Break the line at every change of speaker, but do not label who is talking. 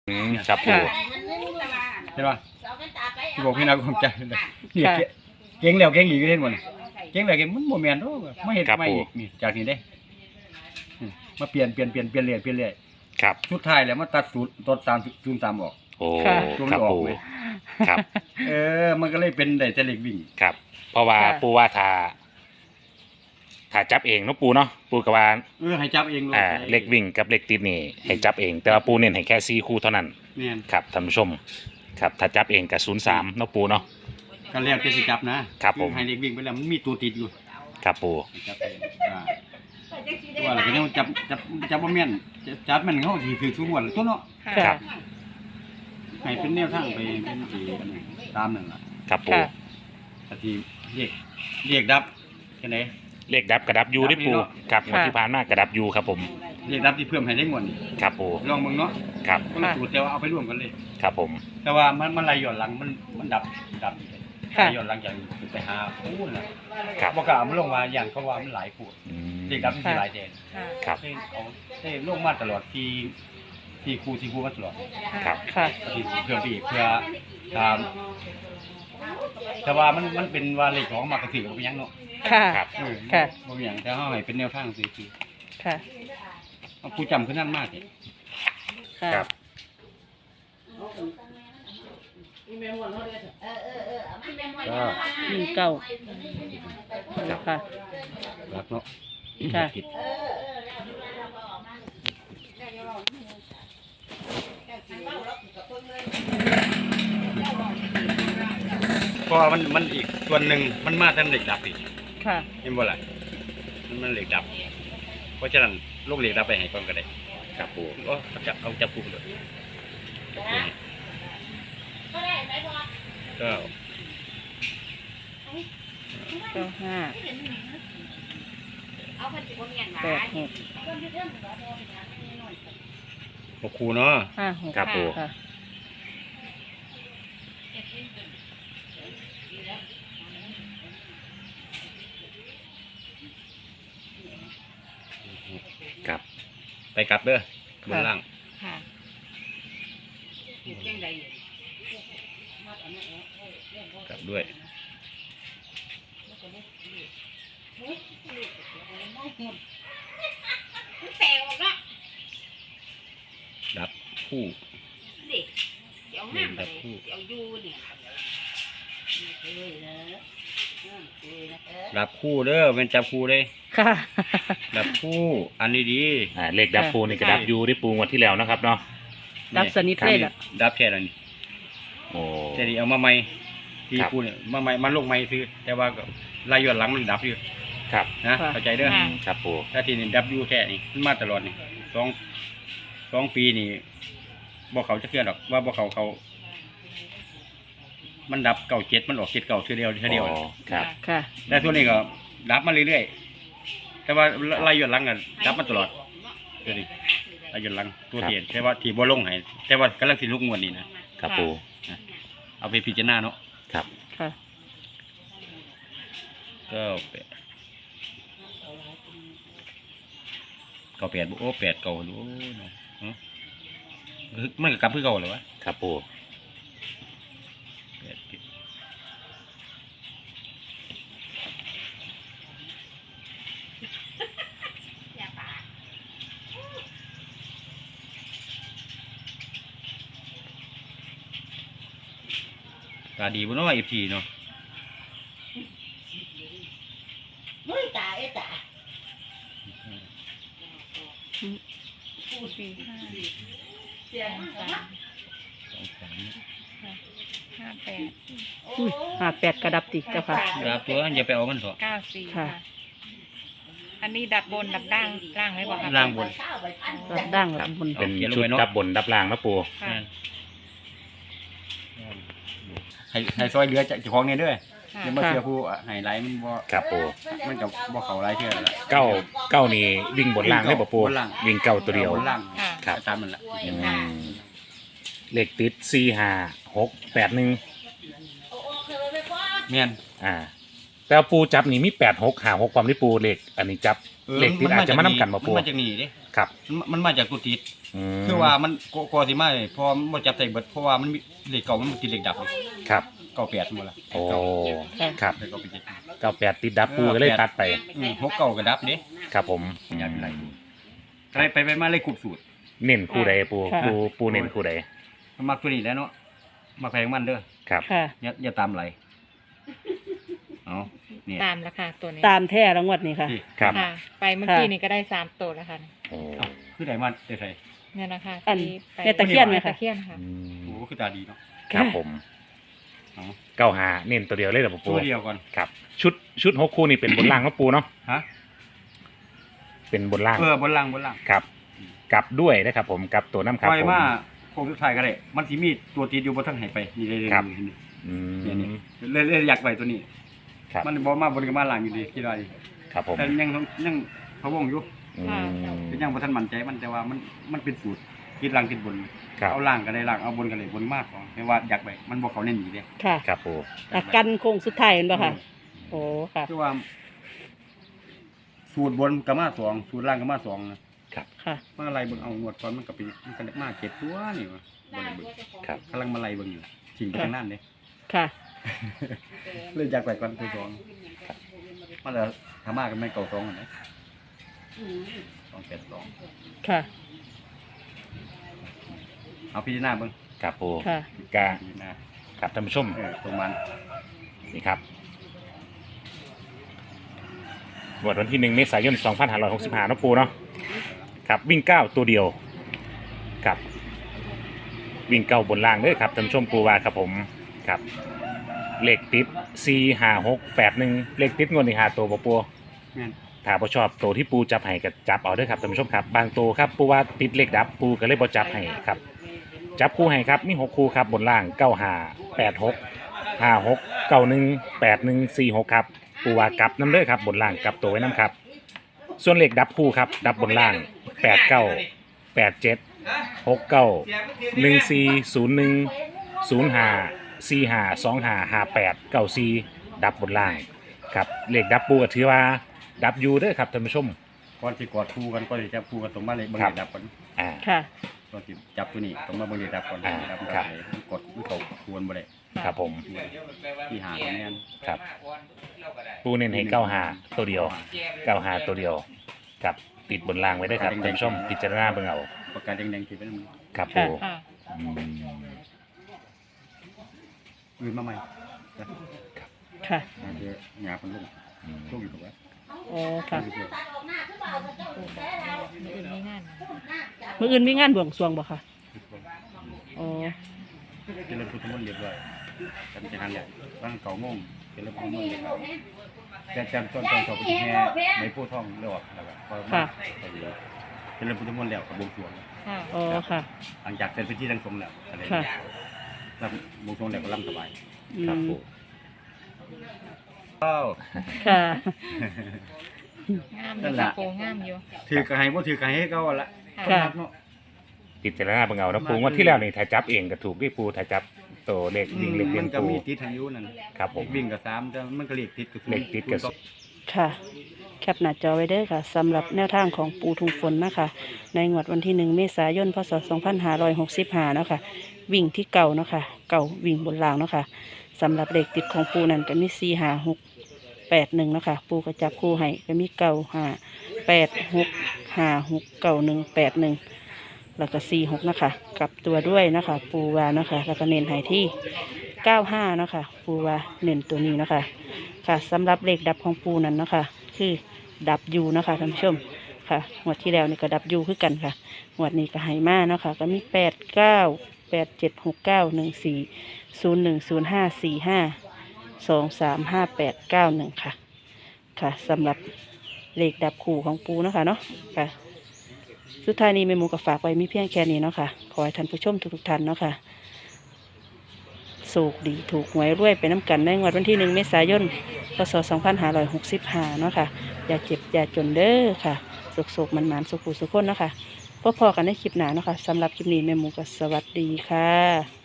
ครับปู
ใช่ป่ะที่บอกพี่นาคงใจเนี่ยเก่งแล้วเก่งอีกเห็นบ่นี่เก่งแล้วเก่งมันบ่แม่นดอกมาเฮ็ดใหม่อีกนี่จากนี้เด้มาเปลี่ยนเรื่อย
ครับ
สุดท้ายแล้วมาตัดสูตรตด303ออก
โอ้
ตัว
ครับ
ออก
ปู
เลย
ครับ
มันก็เลยเป็นได้แต่เลขวิ่ง
ครับ เพราะว่าปูว่าถ้าจับเองเนาะปูเนาะปูกับว่า
ให้จับเองเลย
เลขวิ่งกับเลขติดนี่ให้จับเอง แต่ว่าปูเน้นให้แค่4คู่เท่านั้น
แม่น
ครับท่านผู้ชมครับถ้าจับเองกับ03เนาะปูเนาะ
ก็แล้วแต่สิจับนะครับ
ผม
ให้เลขวิ่งไปแล้วมันมีตัวติดอยู่
ครับปู
จับเองว่าอะไรก็ยังจับบ่แม่นจับมันเขาสิถือทุกงวดตัวเนาะ
ครับ
ให้เป็นแนวทางไปเป็นสิตามนั่นล่ะ
ครับปู
ก็สิเรียกดับจังได๋
เลขดับกระดับยูได้ปูครับงวดที่ผ่านมากระดับยูครับผม
เรียกดับที่เพิ่มให้ได้งวดนี่
ครับปู
ลองเบิ่งเนาะ
ครับ
คนละสูตรแต่ว่าเอาไปร่วมกันเลย
ครับผม
แต่ว่ามันไหลย้อนหลังมันดับไหล
ค่ะ
ย้อนหลังจากไปหาพูนน่ะ
ครับ
บ่กล้ามันลงมาอย่างเขาว่ามันหลายพูด
อืม
เรียกดับมันสิหลายแดน
ครับ
ได้ลงมาตลอดที่ครูมาตลอด
ครับ
ค่ะ
ที่เพื่อพี่เพื่อตามแต่ว่ามันเป็นว่าเลขของมากระถือกับยังเนาะ
ค่ะ
ครับ
ค่ะ
บ่มีหยังแต่เฮาให้เป็นแนวทางซื่อ
ค่ะ
ๆเอาผู้จำคือนั่นมากเลย
ค่ะ
ครับ
ก็
19ค่ะ
รักเนาะ
ค่ะ
ผิดเพราะว่ามันอีกส่วนหนึ่งมันมาทั้งเหล็กดับอีก
ค่ะ
เห็นบ่ล่ะมันเหล็กดับ เพราะฉะนั้นลูกเหล็กดับไปให้ก่อนก็ได้
ครับปู
ก็จับคู่เลยก็
95 86
หกคู่เนาะ
56
ครับปู
ค่ะ
ครับ
ไปกลับเด้อบนล่าง
ค่ะ
กลับด้วยดับคู่ดับคู่ดับคู่เด้อเป็นจับคู่เลย
ค่ะ
ดับคู่อันนี้ดี
เลขดับปูนี่กระดับยูได้ปูงวดที่แล้วนะครับเนาะ
ดับสนิทเลยล่ะ
ดับแค่นั้น
โอ้
แต่นี่เอามาใหม่ที่
ครับ
คู่เนี่ยมาใหม่มาลงใหม่ซื้อแต่ว่าก็ลายย้อนหลังมันดับอยู่
ครับ
นะ
ค่ะ
เข้าใจเด้อ
ครับปู
ถ้าที่นี่ดับอยู่แค่นี้มันมาตลอดนี่สองปีนี่บ่เขาจะเชื่อดอกว่าบ่เขามันดับ97มันออก79เทื่อเดียว
อ๋อครับ
ค่ะ
แต่ส่วนนี้ก็ดับมาเรื่อยๆแต่ว่าลายย้อนหลังก็ดับมาตลอดเดี๋ยวนี้ลายย้อนหลังตัวเทียนแต่ว่าที่บ่ลงให้แต่ว่ากำลังสิลุกงวดนี้นะครับ
ปู
เอาไปพิจารณาเนาะ
ครับ
ค่ะ
ก็แปดโอ้8เก่าโอ้เนาะมันก็กลับคือเก่าเลยวะ
ครับปู
ตาดีบ่เนาะFTเนาะ
58กระดับติเจ้าค่ะ
ครับตัวอย่าไปเอามันเถอะ
94
ค่ะ
ค่ะ อันนี้ดับบนดับล่างไหมบอกครับ
ล่างบน
รับดั้งรับบน
เป็น
เขียนลง
ชุด
ไว้เนาะ
ดับบนดับล่างนะปู
ค่ะ
ให้ซอยเหลือจากเจ้าของเนี่ยเด้อ
ค่ะ
อย่ามาเชื่อผู้ให้หลายมันบ่
ครับปู
มันก็บ่เข้าหลายเทื่อแล้วล่ะ
เก้านี่วิ่งบนล่างได้ป่ะปู
บนล่าง
วิ่งเก้าตัวเดียว
บนล่าง
ค่ะ
ครับ
ตามมันล่ะ
อืมเลขติด45681
แม่น
แต่ว่าปูจับนี่มี8656ความที่ปูเลขอันนี้จับเลขติดอาจจะมานำกันบ่
มัน
ปู
มาจากนี่เด้
ครับ
มันมาจากตัวติด
ม
คือว่ามันกอสิมาพอมันบ่จับใส่เบิดเพราะว่ามันมีเลขเก่ามันติดเลขดับเลย
ครับ
98หมดละ
โอ้
ค่ะ
ครับ
เลขเก่าไปเจ็ด
98ติดดับปูก็เลยตัดไป
6เก่าก็ดับเด้
ครับผม
อย่าเป็นไรไปมาเลยคูบสูตร
เน้นคู่ใดปู
ค่ะ
ปูเน้นคู่ใด
มันมักตัวนี้แหล้วเนาะมักแพงมันเด้อ
ครับ
ค่ะ
อย่าตามไหลเอาเนี่ย
ตามแล้วค่ะตัวนี้
ตามแท้รางวัลนี่ค่ะ
ที่
ครับ
ค่ะ ไปเมื่อกี้นี่ก็ได้3ตัวแล้วค่ะ
โอ้
เอ้าคือไหนมันได้ใส่
เนี่ยนะคะ
อัน
ที่ไป
แม่ตะเคียนไหมคะ
ตะเคียนค่ะ
อืม
โอ้คือตาดีเนาะ
ครับผม
เอา
95เน้นตัวเดียวเลยเหรอปู
ตัวเดียวก่อน
ครับชุด6คู่นี่เป็นบนล่างครับปูเนาะ
ฮะ
เป็นบนล่าง
บนล่าง
ครับกลับด้วยนะครับผมกลับตัวน้ำครับ
ปล่อย
ผม
มาโค้งสุดท้ายก็ได้มันสิมีตัวติดอยู่บนทั้งไหไปนี่เลย
ครับ
นี่
อื
เนี่ย
ม
เลยอยากไปตัวนี้
ครับ
มันบ่มาบนกับมาล่างอยู่ดีคิดว่าดี
ครับผม
แต่ยังพะวงอยู่
อืม
แต่ยังบ่ทันมั่นใจมันแต่ว่ามันเป็นสูตรคิดล่างคิดบน
ครับ
เอาล่างก็ได้ล่างเอาบนก็ได้บนมากของไม่ว่าอยากไปมันบ่เขาเน้นอยู่เด้
ค่ะ
ครับปู
แต่กันโค้งสุดท้ายเห็นป่ะค่ะ โอ้ค่ะ
คือว่า สูตรบนก็มาสองสูตรล่างก็มาสองนะ
ค่ะ
มาไล่เบิ่งเอางวดก่อนมันก็เป็นมันก็มาเก็บตัวนี่วะบ่ได้เบิ่ง
ครับ
กำลังมาไล่เบิ่งอยู่ทิ้งไปทางนั้นเด้
ค่ะ
เลยอยากไปก่อนตัวสองมันจะทำมากันไม่เก่าสองอันไหน282
ค่ะ
เอาพิจารณาเบิ่ง
ครับปู
ค่ะ
กา
พิจารณา
ครับท่านผู้ชม
ตรงมัน
นี่ครับวันที่1 เมษายน 2565นะปูเนาะครับวิ่ง9ตัวเดียวครับวิ่ง9บนล่างเด้อครับท่านผู้ชมปูว่าครับผมครับเลขติด4 5 6 8 1เลขติดงวดนี่5ตัวบ่ปู
แม่น
ถ้าบ่ชอบตัวที่ปูจับให้ก็จับเอาเด้อครับท่านผู้ชมครับบางตัวครับปูว่าติดเลขดับปูก็เลยบ่จับให้ครับจับคู่ให้ครับมี6คู่ครับบนล่าง95 86 56 91 81 46ครับปูว่ากลับน้ำเด้อครับบนล่างกลับตัวไว้น้ำครับส่วนเลขดับคู่ครับดับบนล่าง89 87 69 14 01 05 45 25 58 94ดับบนล่างครับเลขดับปูก็ถือว่าดับยูเด้อครับท่านผู้ชม
ก่อนสิกอดคู่กันก่อนสิจับคู่กันตรงมาเลยเบิ่ง
ครับ
เลขดับก่อน
อ่า
ค่ะ
ก่อนสิจับตัวนี้ตรงมาเบิ่งเลขดับก่อน
อ่า
ดับ
ครับ
ได้มันกดมันเข้าควรบ่ได้
ครับผม
ที่หาคะแนน
ครับปูเน้นให้95ตัวเดียว95ตัวเดียวครับติดบนล่างไว้ได้อครับท่านผู้ชมพิจารณาเบิ่งเอา
ปากกาแดงๆที่เป็น
ครับปู
ค่ะ
อืม
อื่นมาใหม่
ค่ะ
เดี๋ยวหยาเป็นลูก
อืม
ลูกอยู่ตรงนั้น
โอ้ค่ะ
มีอื่นไม่งาน
มื้ออื่นมีงานบวงสรวงบ่ค่ะโอ้
เจริญพุทธมนต์เรียบร้อยกันจะหันแหละตั้งเก่าโมงเจริญพุทธมนต์เรียบร้อยแต่จำต้นตอนสอบแห่ในผู้ท่องเรียกว่าแล้วก็พอมาไปเดี๋ยวเจริญพุทธมนต์แล้วกับบวงสรวง
ค่ะ
โอ้ค่ะ
หลังจากเสร็จพิธีทั้งสงฆ์แล้วอะไร
ค่ะ
รำบวงสรวงแล้วก็รำสบาย
อื
ครับ
ม
ปู
อ้าว
ค่ะ
งามอยู่ค่ะโปงามอยู่
ถือกระไห้บ่ถือกระไห้ให้เขาละ
ค่ะ
เนาะ
พิจารณาเบิ่งเอานะปูงว่าที่แล้วนี่ถ้าจับเองก็ถูกที่ปูถ้าจับตัวเลขวิ่งเลขเลี้ย
มั
ง
นก็
ปู
มีติดทางยุนั่น
ครับผม
วิ่งกับ3แต่มันก็เลขติดกับ
เลขติดกับ
ค่ะ แคปหน้าจอไว้เด้อค่ะสำหรับแนวทางของปูทุงฝนนะคะ ในงวดวันที่1 เมษายน พศ 2565เนาะค่ะวิ่งที่เก่าเนาะค่ะเก่าวิ่งบนรางเนาะค่ะสำหรับเลขติดของปูนั่นก็มี4 5 6 8 1เนาะค่ะปูก็จับคู่ให้ก็มี9 5 8 6 5 6 9 1 8 1แล้วก็4 6นะคะกลับตัวด้วยนะคะปูวาเนาะค่ะแล้วก็เน้นให้ที่95เนาะค่ะปูวาเน้นตัวนี้เนาะค่ะค่ะสำหรับเลขดับของปูนั้นเนาะค่ะคือดับยูเนาะค่ะท่านผู้ชมค่ะงวดที่แล้วนี่ก็ดับยูคือกันค่ะงวดนี้ก็ให้มาเนาะค่ะก็มี8 9 8 7 6 9 1 4 0 1 0 5 4 5 2 3 5 8 9 1ค่ะค่ะสำหรับเลขดับคู่ของปูเนาะค่ะเนาะค่ะสุดท้ายนี้แม่หมูก็ฝากไว้มีเพียงแค่นี้เนาะค่ะขอให้ท่านผู้ชมทุกท่านเนาะค่ะโชคดีถูกหวยรวยไปน้ำกันในงวดวันที่1 เมษายน พศ 2565เนาะค่ะอย่าเจ็บอย่าจนเด้อค่ะสุขๆมันๆสุขุสุขคนเนาะค่ะพบพอกันในคลิปหน้าเนาะค่ะสำหรับคลิปนี้แม่หมูก็สวัสดีค่ะ